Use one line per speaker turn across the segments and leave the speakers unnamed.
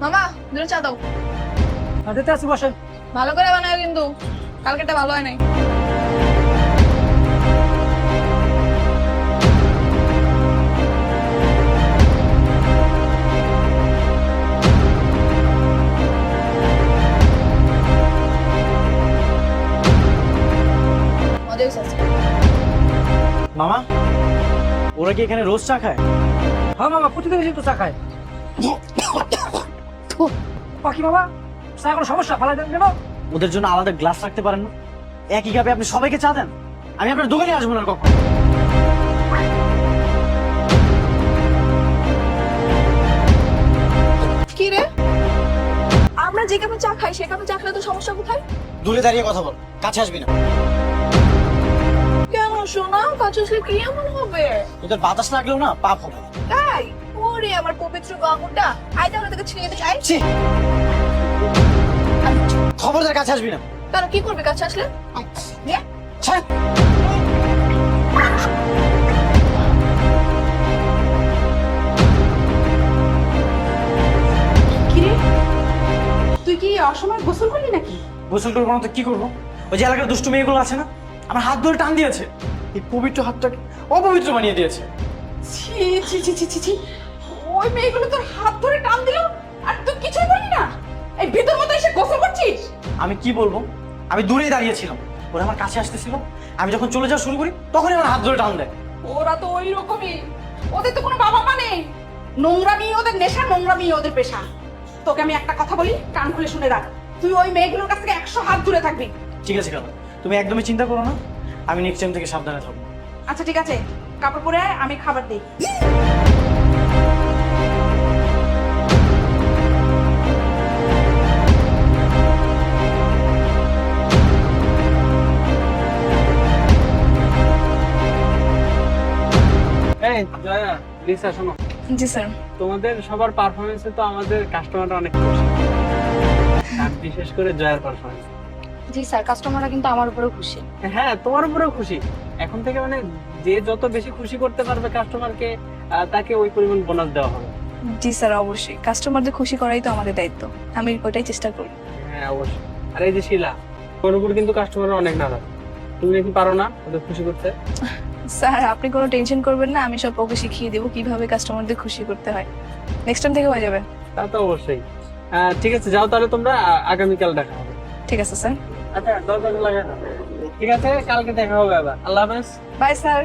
মামা দুটো চা দাও।
দিতে আসি, বসেন।
ভালো করে বানাও কিন্তু, কালকেটা ভালো হয় নাই। মজা হয়েছে আজকে।
মামা, ওরা কি এখানে রোজ চা খায়?
হ্যাঁ মামা, প্রতিদিন এসে তো চা খায়। বাকি মামা, চা কোনো সমস্যা ফালাই দেন কেন?
ওদের জন্য আলাদা গ্লাস রাখতে পারেন না? একই কাপে আপনি সবাইকে চা দেন। আমি আপনার দোকানে আসবো না কখন।
কি রে, আমরা যে কাপে চা খাই সে কাপে চা খেলে তো সমস্যা কোথায়?
দূরে দাঁড়িয়ে কথা বল, কাছে আসবি না।
কেন শোনা, কাছে আসলে কি এমন হবে?
ওদের বাতাস লাগলেও না পাপ হবে।
তাই? ওরে আমার পবিত্র গামুটা, আই তাহলে তোকে ছিনিয়ে দিতে চাই।
ছি! খবরদার কাছে আসবি না।
তাহলে কি করবে কাছে আসলে? দিয়ে
ছাড়।
কিরে, তুই কি অসময় গোসল করলি নাকি?
গোসল করবো না তো কি করবো? ওই যে এলাকার দুষ্টু মেয়েগুলো আছে না, আমার হাত ধরে টান দিয়েছে। এই পবিত্র হাতটাকে অপবিত্র বানিয়ে দিয়েছে।
ছি ছি ছি ছি ছি ছি, ওই মেয়েগুলো তোর হাত ধরে টান দিল আর তুই কিছুই বললি না? এই ভিতর মতো এসে গোসল করছিস?
আমি কি বলবো, আমি দূরেই দাঁড়িয়েছিলাম, ওরা আমার কাছে আসতেছিল। আমি যখন চলে যাওয়া শুরু করি তখনই আমার হাত ধরে টান দেয়।
ওরা তো ওই রকমই, ওদের তো কোনো বাবা মা নেই। নোংরামি ওদের নেশা, নোংরামি ওদের পেশা। তোকে আমি একটা কথা বলি, কান খুলে শুনে রাখ, তুই ওই মেয়েগুলোর কাছ থেকে 100 হাত দূরে থাকবি।
ঠিক আছে কাকা, তুমি একদমই চিন্তা করো না, আমি নেক্সট টাইম থেকে সাবধানে থাকবো।
আচ্ছা ঠিক আছে, কাপড় পরে আয়, আমি খাবার দিই।
এই জয়া, লিসা শোনো,
জি স্যার।
তোমাদের সবার পারফরমেন্সে তো আমাদের কাস্টমাররা অনেক খুশি, আর বিশেষ করে জয়ার পারফরমেন্স।
জি স্যার, কাস্টমাররা কিন্তু আমার উপরেও খুশি।
হ্যাঁ, তোমার উপরেও খুশি। এখন থেকে মানে যে যত বেশি খুশি করতে পারবে কাস্টমারকে, তাকে ওই পরিমাণ বোনাস দেওয়া হবে।
জি স্যার, অবশ্যই কাস্টমারদের খুশি করাই তো আমাদের দায়িত্ব, আমি ওইটাই চেষ্টা করি।
হ্যাঁ অবশ্যই। আর এই যে শিলা, ওর উপর কিন্তু কাস্টমাররা অনেক নারাজ। তুমি নাকি পারো না ওদের খুশি করতে?
স্যার আপনি কোনো টেনশন করবেন না, আমি সব ওকে শিখিয়ে দেবো কিভাবে কাস্টমারদের খুশি করতে হয়। নেক্সট টাইম থেকে হয়ে যাবে।
তা তো অবশ্যই। ঠিক আছে, যাও তাহলে তোমরা, আগামীকাল দেখা হবে।
ঠিক আছে স্যার।
আচ্ছা, দরকার লাগে না। ঠিক আছে, কালকে দেখা হবে আবার। আল্লাহ হাফেজ।
Bye sir.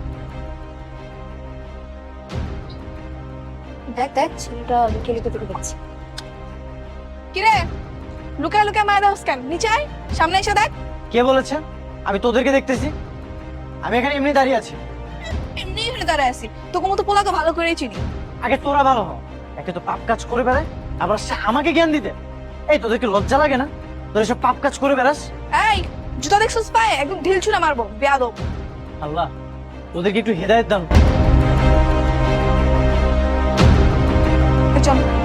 দেখ দেখ, ছেলেটা লুকিয়ে লুকিয়ে তোকে দেখছে। কিরে, লুকিয়ে লুকিয়ে মায়ের হাউস কেন? নিচে আয়, সামনে এসে দেখ।
কে বলেছে আমি তোদেরকে দেখতেছি? আমি এখানে এমনি দাঁড়িয়ে আছি।
এমনি এখানে দাঁড়ায় আছি, তোকে মতো পোলা তো ভালো করেই চিনি।
আগে তোরা ভালো হ, একে তো পাপ কাজ করে বেড়ায়, আবার সে আমাকে জ্ঞান দিতে। এই তোদেরকে লজ্জা লাগে না? তোরা সব পাপ কাজ করে বেড়াস।
এই জুতা দেখছিস পায়ে, একদম ঢিল ছুঁড়ে মারবো, বেয়াদব।
আল্লাহ তোদেরকে একটু হেদায়েত দান।
চল।